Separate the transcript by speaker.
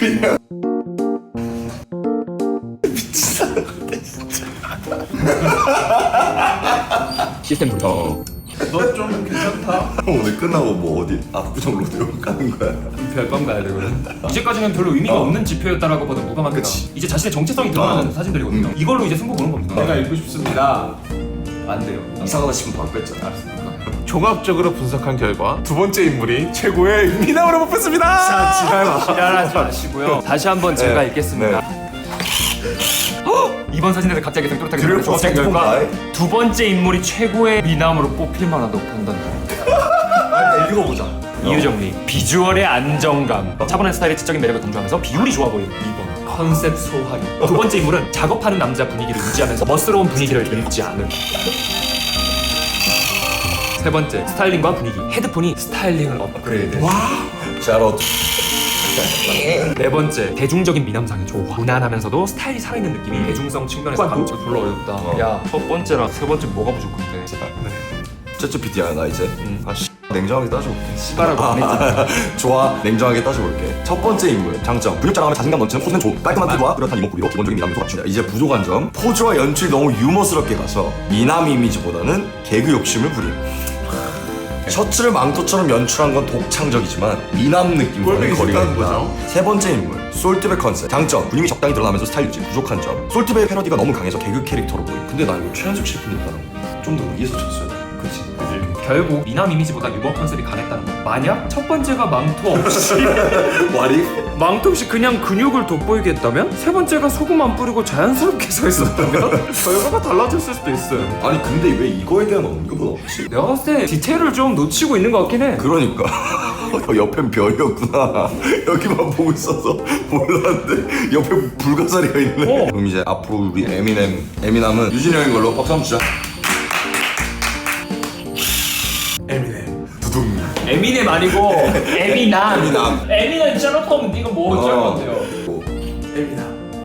Speaker 1: 그냥
Speaker 2: 시스템 불.
Speaker 3: 너 좀 괜찮다.
Speaker 1: 오늘 끝나고 뭐 어디 압구정 로데오 가는 거야?
Speaker 2: 별밤 가야 되거든. 이제까지는 별로 의미가 없는 지표였다라고 봐도 무감합니다.
Speaker 1: 그치.
Speaker 2: 이제 자신의 정체성이 드러나는 사진들이거든요. 이걸로 이제 승부 보는 겁니다.
Speaker 3: 내가 읽고 싶습니다. 안 돼요.
Speaker 1: 이상하다 싶으면 바로 뺐잖아.
Speaker 3: 종합적으로 분석한 결과 두 번째 인물이 최고의 미남으로 뽑혔습니다.
Speaker 2: 지랄하지 마시고요. 다시 한번 제가 읽겠습니다. 이번 사진에서 갑자기 땡뚜렷하게
Speaker 1: 드릴
Speaker 2: 종합적
Speaker 1: 포스팅
Speaker 2: 결과
Speaker 1: 바이.
Speaker 2: 두 번째 인물이 최고의 미남으로 뽑힐 만하다고 판단됩니다.
Speaker 1: 읽어보자.
Speaker 2: 이유 정리. 비주얼의 안정감. 차분한 스타일의 지적인 매력을 강조하면서 비율이 좋아 보이는 2번. 컨셉 소화기. 두 번째 인물은 작업하는 남자 분위기를 유지하면서 멋스러운 분위기를 잃지 않은. 세 번째, 스타일링과 분위기. 헤드폰이 스타일링을 업그레이드.
Speaker 1: 샤롯.
Speaker 2: 네 번째, 대중적인 미남상의 조화. 무난하면서도 스타일이 살아있는 느낌이 대중성 측면에서 감지 별로 어렵다. 야, 첫 번째랑 세 번째 뭐가 부족한데?
Speaker 1: 쩌쩌 PD야 나 이제. 냉정하게 따져볼게.
Speaker 2: 씨발하고 안 했지.
Speaker 1: 좋아, 냉정하게 따져볼게. 첫 번째 인물 장점, 근육 자랑하면 자신감 넘치는 포즈는 좋고 깔끔한 피부와 뚜렷한 이목구비로 기본적인 미남 요소가 갖춘다. 이제 부족한 점, 포즈와 연출이 너무 유머스럽게 가서 미남 이미지보다는 개그 욕심을 부림. 셔츠를 망토처럼 연출한 건 독창적이지만 미남 느낌과는
Speaker 3: 꼴보기
Speaker 1: 거리가
Speaker 3: 싫다는
Speaker 1: 있다.
Speaker 3: 거죠.
Speaker 1: 세 번째 인물, 솔트백 컨셉. 장점, 근육이 적당히 드러나면서 스타일 유지. 부족한 점, 솔트백 패러디가 너무 강해서 개그 캐릭터로 보임. 근데 나 이거 최현석 셰프님보다는 좀 더 위에서 쳤어야 돼. 그치?
Speaker 2: 결국 미남 이미지보다 유머 컨셉이 강했다는 거. 만약 첫 번째가 망토 없이 망토 없이 그냥 근육을 돋보이게 했다면 세 번째가 소금 안 뿌리고 자연스럽게 서 있었다면 결과가 달라졌을 수도 있어요.
Speaker 1: 아니 근데 왜 이거에 대한 언급은 없지?
Speaker 2: 내가 봤을 때 디테일을 좀 놓치고 있는 것 같긴 해.
Speaker 1: 그러니까 옆엔 별이었구나. 여기만 보고 있어서 몰랐는데 옆에 불가사리가 있네. 그럼 이제 앞으로 우리 에미남은 유진이 형인 걸로 박수 한번 주자.
Speaker 3: 에미넴.
Speaker 1: 두둥.
Speaker 2: 에미넴 아니고 에미남.
Speaker 1: 에미남.
Speaker 2: 에미넴 셜록홈 이거 뭐 어쩔 건데요?
Speaker 1: 뭐.
Speaker 3: 에미남.